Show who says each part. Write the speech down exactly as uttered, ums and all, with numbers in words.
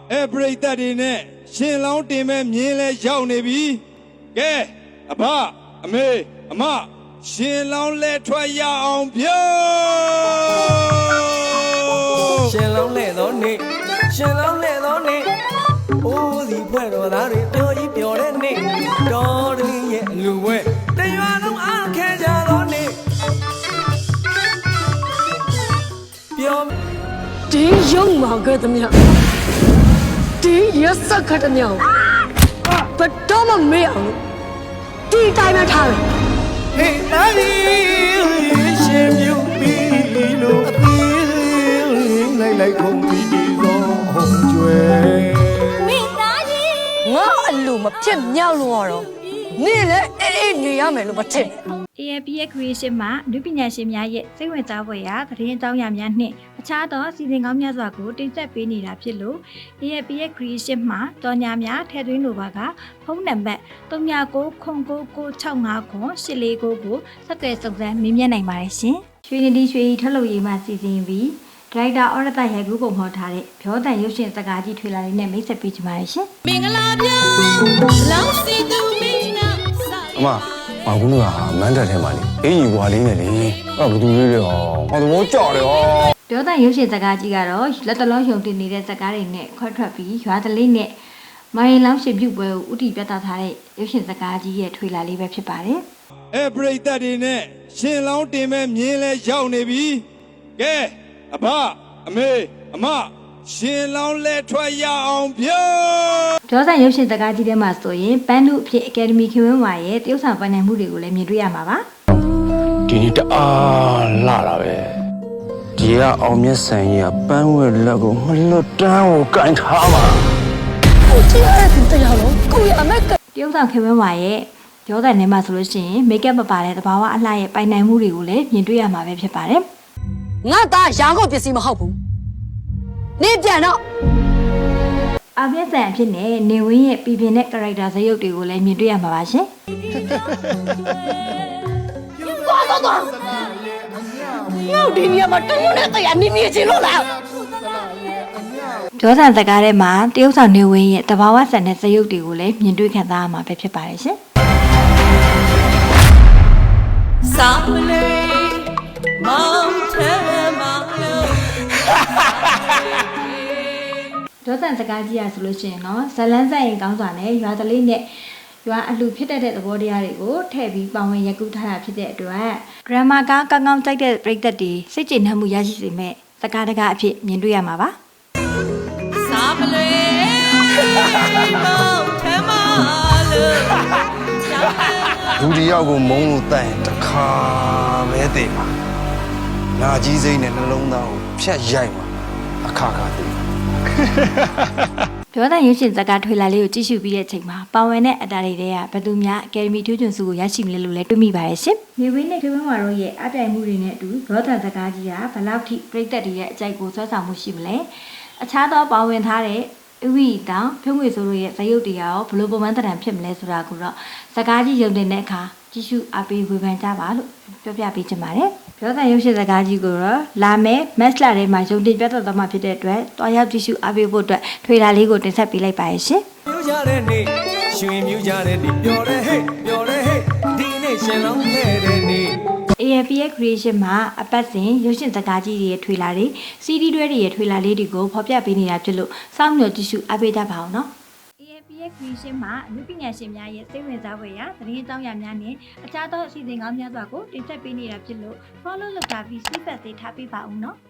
Speaker 1: အဲပရိသတ်တွေနဲ့ရှင်လောင်းတင်မဲ့မြင်းလဲရောက်နေပြီကဲအဖအမေအမရှင်လောင်းလဲထွက်ရအောင်ပြော
Speaker 2: ရှင်လောင်းလဲတော့နေရှင်လောင်းလဲတော့နေအိုးစီဖွဲ့တော်သားတွေပြောကြီးပြောတဲ့နေတော်တည်းရဲ့လူဝဲတရွာလုံးအားခဲကြတော့နေပြော
Speaker 3: ဒီရုံမှာကတည်းကဒီရစခတ်တဲ့ဘတ်တော့မမေ့အောင်ဒီတိုင်းပဲထားတယ်
Speaker 2: ဟေးနာရီရှင်မြူပြီးလို့အသေးလိုက်လိုက်ခုံပြီးဒီသောဟုံကျွဲ
Speaker 3: မိသားကြီးငါအလိုမဖြစ်မြောက်လို့တော့နေလေအေးအေးနေရမယ်လို့မထင်
Speaker 4: A F P S Creation မှာလူပညာရှင်များရဲ့စိတ်ဝင်စားဖွယ်ရာသတင်းအကြောင်းအရာများနှင့်အခြားသောစီစဉ်ကောင်းများစွာကိုတင်ဆက်ပေးနေတာဖြစ်လို့ A F P S Creation မှာတော်ညာများထည့်သွင်းလိုပါကဖုန်းနံပါတ် ၃၉၉၉၉၆၅ခု၈၄၉ကိုဆက်သွယ်စုံစမ်းမေးမြန်းနိုင်ပါတယ်ရှင်။ရွှေနေဒီရွှေထုတ်လုပ်ရေးမှစီစဉ်ပြီးဒရိုက်တာအော်ရတရိုက်ကူးပုံဖော်ထားတဲ့ဖြောတန်ရုပ်ရှင်စကားကြီးထွေလာလေးနဲ့မိတ်ဆက်ပေးကြပါရရှင်
Speaker 5: ။မင်္ဂလာပြောလောင်စီသူမင်းနာ
Speaker 6: အမဘာကူကမန်းတက်ထဲမှာလေအေးကြီးဘွာလေးနဲ့လေအဲ့ဘသူလေးတွေဟောဟောသဘောကျတယ်ဟော
Speaker 4: ပြောတဲ့ရုပ်ရှင်စကားကြီးကတော့လက်တလုံးယုံတင်နေတဲ့စကားတွေနဲ့ခွဲထွက်ပြီးရွာတလေးနဲ့မိုင်းလောင်းရှင်ပြုတ်ပွဲကိုဥတီပြသထားတဲ့ရုပ်ရှင်စကားကြီးရဲ့ထွေလာလေးပဲဖြစ်ပါတယ်
Speaker 1: အဲပရိသတ်တွေနဲ့ရှင်လောင်းတင်မဲ့မြင်းလဲရောက်နေပြီကဲအဖအမေအမရှင်လောင်းလဲထွက်ရအောင်ပြော
Speaker 4: ဒေါသရုပ်ရှင်စကားကြီးထဲမှာဆိုရင်ပန်းနုအဖြစ်အကယ်ဒမီခင်ဝင်းဝါရဲ့တရုတ်ဆောင်ပန်းနိုင်မှုတွေကိုလည်းမြင်တွေ့ရမှာပါ
Speaker 6: ဒီနေ့တအားလာတာပဲဒီကအောင်မြတ်ဆန်ကြီးကပန်းဝဲလက်ကိုမလွတ်တမ်းကိုကင်ထားမှာ
Speaker 3: ကိုကြည့်ရတဲ့တရားလုံးကိုရအမက်
Speaker 4: တရုတ်ဆောင်ခင်ဝင်းဝါရဲ့ဒေါသနဲ့မှာဆိုလို့ရှိရင်မိတ်ကပ်မပါတဲ့သဘာဝအလှရဲ့ပိုင်နိုင်မှုတွေကိုလည်းမြင်တွေ့ရမှာပဲဖြစ်ပါတယ်
Speaker 3: ငါသားရာကုန်ပစ္စည်းမဟုတ်ဘူးနေပြန်တော့
Speaker 4: အပြည့်စံအဖြစ်နဲ့နေဝင်းရဲ့ပြည်ပြင်းတဲ့ character ဇာတ်ရုပ်တွေကိုလည်းမြင်တွေ့ရမှာပါရှင်
Speaker 3: ။သွားတော့တော့ငါဒီနေရာမှာတရုတ်နဲ့တရားနေနေချင်လို့လား
Speaker 4: ။ဒေါသစကားထဲမှာတရုတ်ဆောင်နေဝင်းရဲ့တဘာဝဆန်တဲ့ဇာတ်ရုပ်တွေကိုလည်းမြင်တွေ့ခံစားရမှာပဲဖြစ်ပါတယ်ရှင်
Speaker 5: ။စာမလေးမောင်ထဲမှာလို့
Speaker 4: ဒေါသစကားကြီးရဆိုလို့ရှိရင်တော့ဇလန်းဆိုင်ရင်ကောင်းစွာနဲ့ရွာတလေးနဲ့ရွာအလှဖြစ်တတ်တဲ့သဘောတရားတွေကိုထည့်ပြီးပေါဝင်ရက်ကူးထားတာဖြစ်တဲ့အတွက်ဒရမာကကောင်းကောင်းကြိုက်တဲ့ပရိသတ်တွေစိတ်ကျေနပ်မှုရရှိစေမဲ့စကားတကားအဖြစ်မြင်တွေ့ရမှာပါ
Speaker 5: စာမလွေမောင်ထဲမှာလို့
Speaker 6: လူတယောက်ကိုမုန်းလို့တိုင်တခါပဲတည်ပါနာကြီးစိမ့်နဲ့နှလုံးသားကိုဖြတ်ရိုက်မှာအခါခါတည်
Speaker 4: ပြောတဲ့ရုပ်ရှင်ဇာတ်ကားထွေလာလေးကိုကြည့်ရှုပြီးတဲ့အချိန်မှာပါဝင်တဲ့အတားတွေတဲကဘယ်သူများအကယ်ဒမီထူးချွန်ဆုကိုရရှိမလဲလို့လည်းတွေးမိပါရဲ့ရှင်။နေဝင်းနဲ့ခေဝင်းဝါတို့ရဲ့အပြိုင်မှုတွေနဲ့အတူဒေါသဇာတ်ကားကြီးကဘယ်လောက်ထိပြိသက်တွေရဲ့အကြိုက်ကိုဆွဲဆောင်မှုရှိမလဲ။အခြားသောပါဝင်ထားတဲ့ဥဝိတောင်ဖြုံးငွေဆိုတို့ရဲ့ဇာတ်ရုပ်တွေရောဘလို့ပုံမှန်တံဖြစ်မလဲဆိုတာကိုတော့ဇာတ်ကားကြီးရုံတင်တဲ့အခါကြည့်ရှုအားပေးဝေဖန်ကြပါလို့ပြောပြပေးချင်ပါတယ်။ပြောတဲ့ရုပ်ရှင်ဇာတ်ကားကြီးကိုတော့လာမယ့်မက်စလာထဲမှာရုံတင်ပြသသွားမှာဖြစ်တဲ့အတွက်တွားရောက်ကြည့်ရှုအားပေးဖို့အတွက်ထွေလာလေးကိုတင်ဆက်ပေးလိုက်ပါရရှင်
Speaker 2: ။မြူကြတဲ့နေ့ရွှေမြူကြတဲ့နေ့ပျော်တဲ့ဟဲ့ပျော်တဲ့ဟဲ့ဒီနေ့ရှင်လောင်းခဲ့တဲ့နေ့
Speaker 4: A F P S Creation မှာအပတ်စဉ်ရုပ်ရှင်ဇာတ်ကားကြီးတွေရဲ့ထွေလာတွေ C D တွဲတွေရဲ့ထွေလာလေးတွေကိုဖော်ပြပေးနေတာဖြစ်လို့စောင့်မျှော်ကြည့်ရှုအားပေးကြပါအောင်နော်A F P S Creation မှာလူပညာရှင်များရဲ့စိတ်ဝင်စားဖွယ်ရာသတင်းအကြောင်းအရာများနဲ့အခြားသောအစီအစဉ်ကောင်းများစွာကိုတင်ဆက်ပေးနေတာဖြစ်လို့ follow လုပ်တာပြီး feedback တွေထားပေးပါဦးနော်